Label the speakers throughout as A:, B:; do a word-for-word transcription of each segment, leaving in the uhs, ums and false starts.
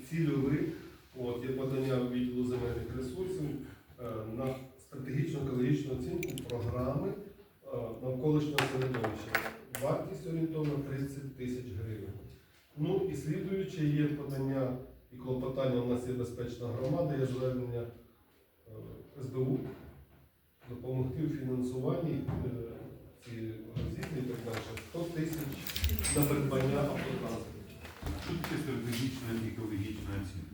A: цільові. От, є подання відділу земельних ресурсів е, на стратегічну екологічну оцінку програми е, навколишнього середовища. Вартість орієнтовно тридцять тисяч гривень. Ну і слідуюче є подання і клопотання, у нас є безпечна громада, є звернення е, ес бе у допомогти у фінансуванні е, ці розвідки і так далі. сто тисяч на придбання автотранспорту.
B: Що таке стратегічна екологічна оцінка?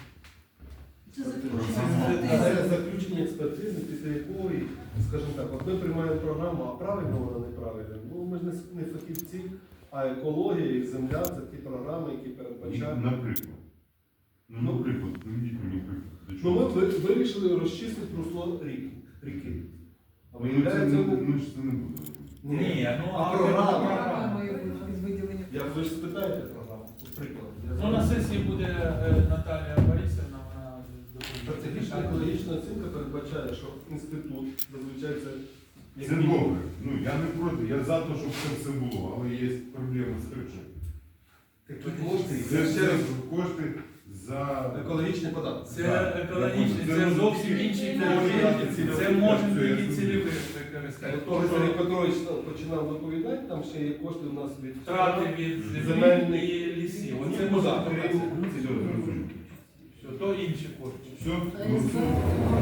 A: Це заключення експертизи, після якої, скажімо так, от ми приймаємо програму, а правильно вона неправильна. Ну, ми ж не фахівці, а екологія і земля це ті програми, які передбачають.
B: Наприклад. Ну, наприклад, наведіть мені приклад.
A: Ну, ми вирішили розчистити русло ріки. ріки. А
B: Ми ж це не будемо.
C: Ні, ну
A: а програма.
D: Програма виділення.
A: Я ви ж спитаєте програму, приклад.
C: Ну, на сесії буде Наталія Борисівна, вона
A: Стратегічна екологічна оцінка передбачає, що інститут зазвичай це як
B: Це
A: мінімум.
B: добре. Ну, я не проти, я за те, щоб це все було, але є проблема з бюджетом.
A: Такі кошти,
B: Це
A: це
B: все
A: ще раз
B: кошти за...
A: екологічний податок.
C: Це екологічний, це зовсім інші кошти. Це може бути цільові використання.
A: Того Сергій Петрович починав доповідати, там ще є кошти у нас від
C: Втрати від землі
A: земельних
C: і лісів.
A: Оце
C: Оце
A: може
C: може
A: бути.
B: Все, зрозуміло.
C: Все, то інші кошти.
B: Все, голосуємо.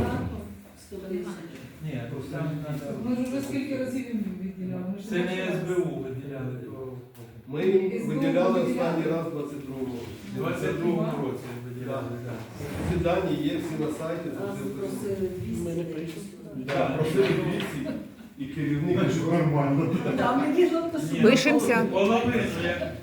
C: Ні, там треба.
D: Ми ж вже скільки разів їм відділяли. Ми ж
C: Це не
D: бачили.
C: ес бе у виділяли, то
A: Ми їм виділяли останній раз у двадцять другому
C: в двадцять другому році виділяли. так.
A: Ці дані є всі на сайті. Так, просили двісті і керівник.
B: Значить, нормально.
E: Пишемося.
C: Половину, як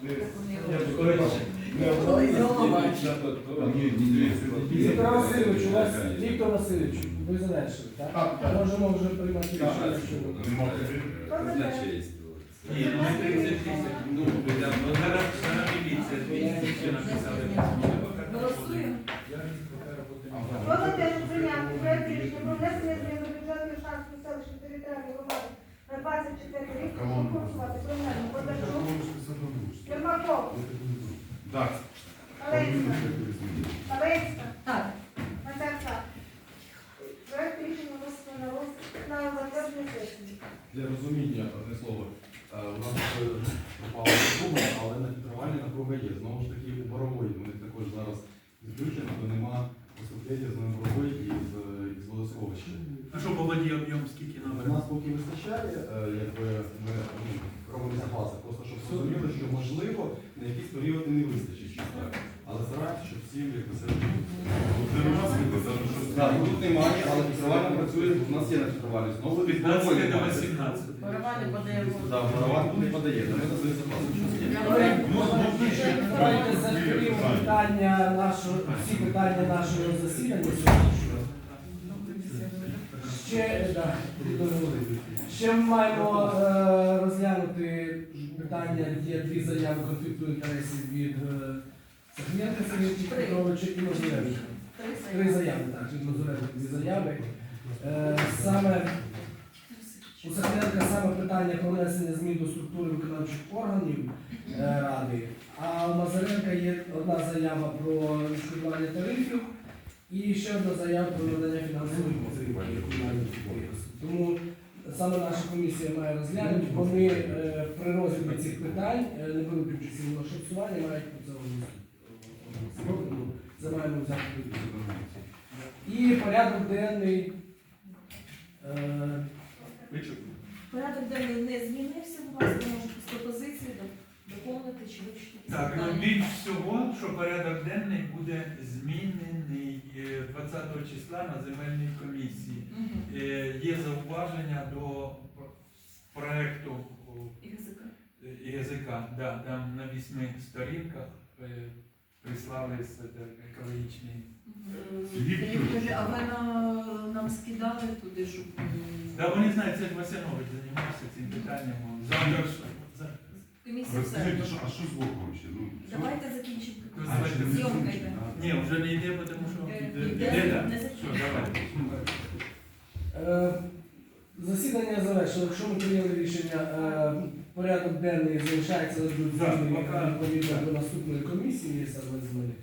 A: Не обрали.
B: Ні, ні, ні.
F: Віктор Васильович, у вас Віктор Васильович, ви завершили, так?
A: Так, так.
F: Можемо вже приймати рішення щодо.
B: Нема питань.
C: ні, ну не тридцять тисяч. Ну, зараз зараз міліція двісті ще написали.
D: Голосуємо.
G: Володимир прийняти проект рішення про внесення змін до бюджетної Шанської селищної територіальної громади на двадцять четвертий рік. Прошу голосувати. Промельник, Бондарчук, Єрмаков,
B: Так.
G: Алейська, Алейська,
D: Так.
G: Матерка. Проект рішення винесено на розгляд на затвердження сесії.
H: Для розуміння, одне слово, е, у нас е, пропала напруга, але на фільтрувальні напруга є. Знову ж таки, у борової, вони також зараз відключені, то нема поступлення з борової і з, з водосховища.
C: А що по воді об'єм скільки
H: У
C: нам?
H: нас поки вистачає, е, якби ми ну, робимо запаси, просто щоб зрозуміли, що можливо на якісь періоди не вистачить чисто. Але стараємося, щоб всім як все.
B: Це нема світла, тому що...
H: Так, тут немає, але фільтрувальна працює, у нас є на фільтрувальні. Знову від
C: п'ятнадцять до вісімнадцяти.
D: Барабани подаємо.
H: Так, борован не подає, то ми на свої запаси.
F: Давайте закриємо питання нашого, всі питання нашого засідання сьогоднішнього. Ще, да, ще ми маємо е, розглянути питання, є дві заяви конфлікту інтересів від е, Сахненка Сергія Петровича і Мазуренка. Три заяви, так, від Мазуренка дві заяви. Е, саме у Сахненка саме питання про внесення змін до структури виконавчих органів е, Ради, а у Мазуренка є одна заява про відшкодування тарифів і ще одна заява про надання фінансової підтримки комунальних підприємств. Тому саме наша комісія має розглянути, вони е, при розгляді цих питань, е, не беруть участь у голосуванні, мають про це голосувати. Це маємо взяти під увагу. І порядок денний. Е,
D: Порядок денний не змінився, будь ласка, можете з пропозиції доповнити чи вичити.
C: Так, ну більш всього, що порядок денний буде змінений е, двадцятого числа на земельній комісії. Е, Є зауваження до проекту і язика, да, там на вісьми сторінках е, прислали з е, екологічний.
D: А ви на- нам скидали туди, щоб...
C: Да, вони знають, це Васянович займався цим питанням. Завтра ж за-
D: Комісія
B: Розкажіть,
D: все.
B: а що- а що з Вовком ще? Ну, що?
D: Давайте закінчимо.
C: А, ще не
D: Зйомка йде.
C: Ні, вже не йде, тому що
D: Е,
C: йде,
D: йде,
C: йде, да.
D: не
C: Все,
D: закінчуємо.
C: давайте.
F: Е, Засідання завершено. Якщо ми прийняли рішення, е, порядок денний залишається
C: Так,
F: відповідно
C: поки-
F: до наступної комісії, є саме з мене.